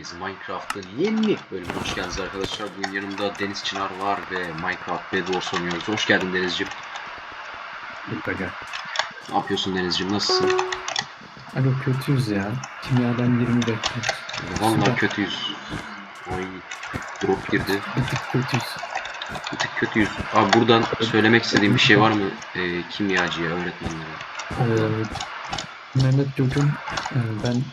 Hepiniz Minecraft'ın yeni bölümüne hoş geldiniz arkadaşlar. Bugün yanımda Deniz Çınar var ve Minecraft Bed Wars oynuyoruz. Hoş geldin Denizciğim. Ne yapıyorsun Denizciğim? Nasılsın? Aga kötüyüz ya. Kimyadan 20 bekliyoruz. Vallahi kötüyüz. Ay, drop girdi. Bir tık kötüyüz. Bir tık kötüyüz. Abi buradan söylemek istediğim bir şey var mı kimyacıya, öğretmenlere? Mehmet Gök'ün ben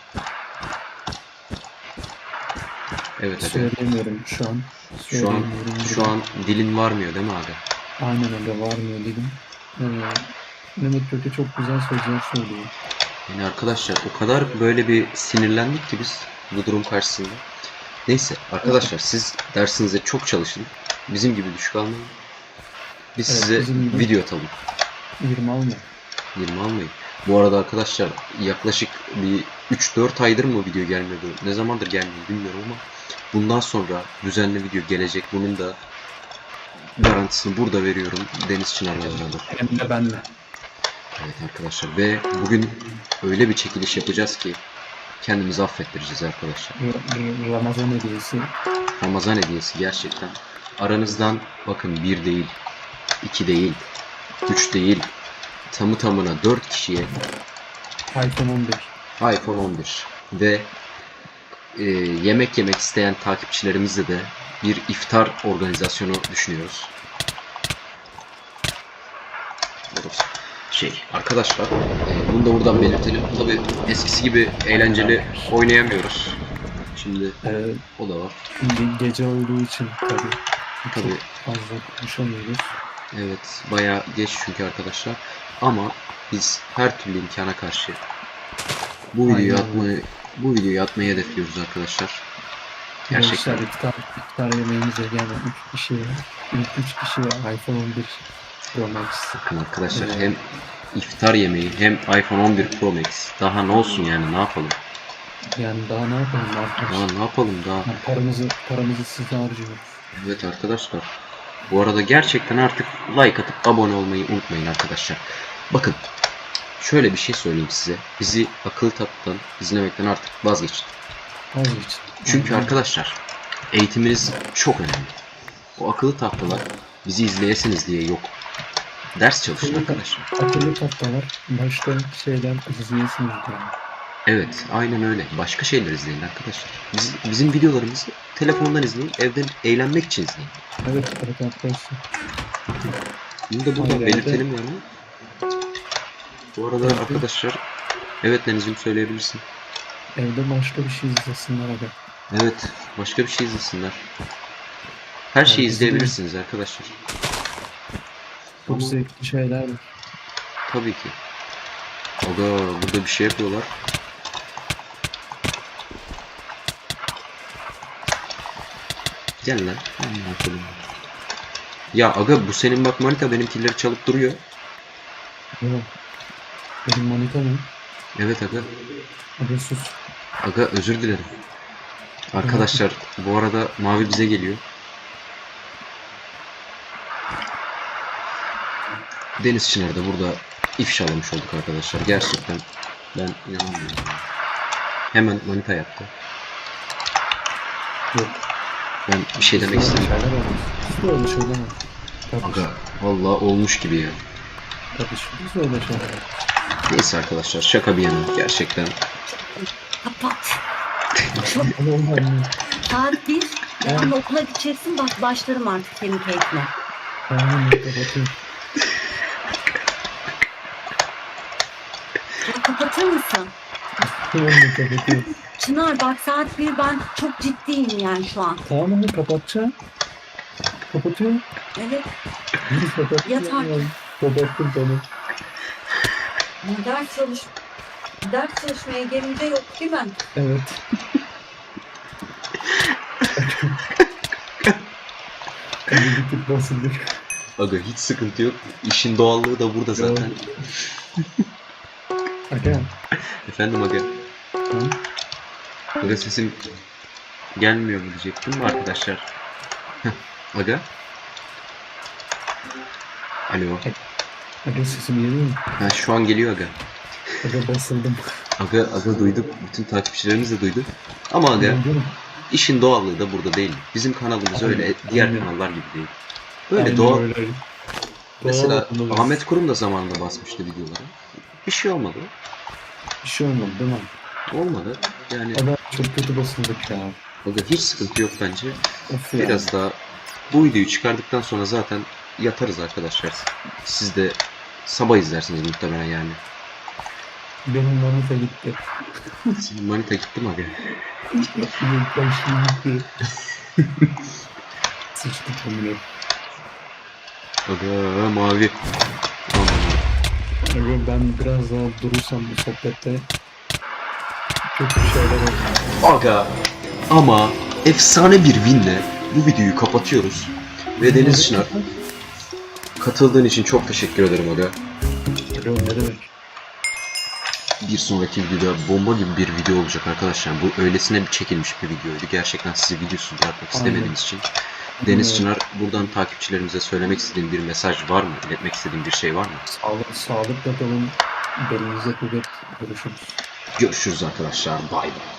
Evet hadi. söylemiyorum şu an. Şu an dilin varmıyor değil mi abi? Aynen öyle varmıyor dedim. Mehmet Gök'e çok güzel sözler söylüyor. Yani arkadaşlar o kadar böyle bir sinirlendik ki biz bu durum karşısında. Neyse arkadaşlar siz dersinize çok çalışın. Bizim gibi düşük almayın. Biz Evet, size bizim gibi. video atalım. 20 alma. 20 almayın. Bu arada arkadaşlar yaklaşık bir 3-4 aydır mı video gelmiyordu? Ne zamandır gelmiyor bilmiyorum ama bundan sonra düzenli video gelecek. Bunun da garantisini burada veriyorum Deniz Çınar'la beraber. Hem de benle. Evet arkadaşlar ve bugün öyle bir çekiliş yapacağız ki kendimizi affettireceğiz arkadaşlar. Ramazan hediyesi. Ramazan hediyesi gerçekten. Aranızdan bakın 1 değil, 2 değil, 3 değil, tamı tamına 4 kişiye iPhone 11. iPhone 11 ve yemek yemek isteyen takipçilerimizle de bir iftar organizasyonu düşünüyoruz. Arkadaşlar bunu da buradan belirtelim. Tabi eskisi gibi eğlenceli oynayamıyoruz. Şimdi o da var. Gece olduğu için tabii. Tabii. Fazla konuşamıyoruz. Evet, bayağı geç çünkü arkadaşlar. Ama biz her türlü imkana karşı bu videoyu atmayı hedefliyoruz arkadaşlar. Gerçekten. İftar yemeğimize gelen 3 kişiye, ilk 3 kişiye iPhone 11 Pro Max. Bakın arkadaşlar hem iftar yemeği hem iPhone 11 Pro Max. Daha ne olsun yani, ne yapalım? Yani daha ne yapalım arkadaşlar? Daha ne yapalım daha? Yani paramızı size harcıyoruz. Evet arkadaşlar. Bu arada gerçekten artık like atıp abone olmayı unutmayın arkadaşlar. Bakın şöyle bir şey söyleyeyim size. Bizi akıllı tatlıdan izlemekten artık vazgeçin. Çünkü arkadaşlar eğitiminiz çok önemli. O akıllı tahtalar bizi izleyesiniz diye yok. Ders çalışın arkadaşlar. Akıllı tahtalar başka şeyler izleyesiniz diye. Evet, aynen öyle. Başka şeyler izleyin arkadaşlar. Bizim videolarımızı telefondan izleyin, evden eğlenmek için izleyin. Evet arkadaşlar. Bunu da buradan belirtelim yani. Bu arada arkadaşlar, evet Deniz'im söyleyebilirsin. Evde başka bir şey izlesinler aga. Evet, başka bir şey izlesinler. Her şeyi izleyebilirsiniz arkadaşlar. Çok zevkli şeyler var. Tabii ki. Aga burada bir şey yapıyorlar. Gel lan. Ya aga bu senin bak manita benimkileri çalıp duruyor. Yok. Benim manita mı? Evet aga. Aga sus. Aga özür dilerim. Arkadaşlar bu arada Mavi bize geliyor. Deniz Çınar da burada ifşalamış olduk arkadaşlar. Gerçekten ben inanamıyorum. Hemen manita yaptı. Yok. Ben bir şey demek istedim. Biz öyle şeyler var. Aga vallahi olmuş gibi ya. Kardeşim biz öyle şeyler var. Neyse arkadaşlar şaka bir yana gerçekten. Kapat. Olmaz. Saat 1. Yarın okula gideceksin. Bak başlarım artık senin keyfine. Tamam kapatayım. Ya kapatır mısın? Tamam kapatayım. Çınar bak saat 1 ben çok ciddiyim yani şu an. Tamam kapatacağım. Kapatıyorum. Evet. Kapattım. Yat artık. Kapattım tamam. Ders çalışmaya gelince yok değil mi? Evet. Bir tık basıldık. Aga hiç sıkıntı yok. İşin doğallığı da burada zaten. Aga. Efendim aga. Hı? Aga sesim gelmiyor mu diyecektim mi arkadaşlar? Aga. Alo. Aga sesim geliyor mu? Ha, şu an geliyor aga. Aga basıldım. Aga duyduk. Bütün takipçilerimiz de duydu. Ama aga İşin doğallığı da burada değil mi? Bizim kanalımız Aynen, öyle diğer aynen. kanallar gibi değil. Böyle Aynen doğal. öyle. Mesela Doğal olmalı. Ahmet Kurum da zamanında basmıştı videoları. Bir şey olmadı. Bir şey olmadı değil mi? Olmadı. Yani Adam çok kötü basıldık ya. orada hiç sıkıntı yok bence. Of ya. Biraz daha bu videoyu çıkardıktan sonra zaten yatarız arkadaşlar. Siz de sabah izlersiniz muhtemelen yani. Benim manita gitti. Senin manita gitti mi abi? Benim karşım gitti. Sıçtık bunu. Aga mavi. Aman. Aga ben biraz daha durursam bu sohbette kötü şeyler olur. Aga ama efsane bir winle bu videoyu kapatıyoruz. Ve Deniz Çınar katıldığın için çok teşekkür ederim Aga. Aga ne demek? Bir sonraki videoda bomba gibi bir video olacak arkadaşlar. Bu öylesine bir çekilmiş bir videoydu. Gerçekten sizi videosuz bırakmak istemediğimiz için. Deniz Çınar, buradan takipçilerimize söylemek istediğin bir mesaj var mı? İletmek istediğin bir şey var mı? Sağlıkla kalın. Belinize kuvvet. Görüşürüz. Görüşürüz arkadaşlar. Bay bay.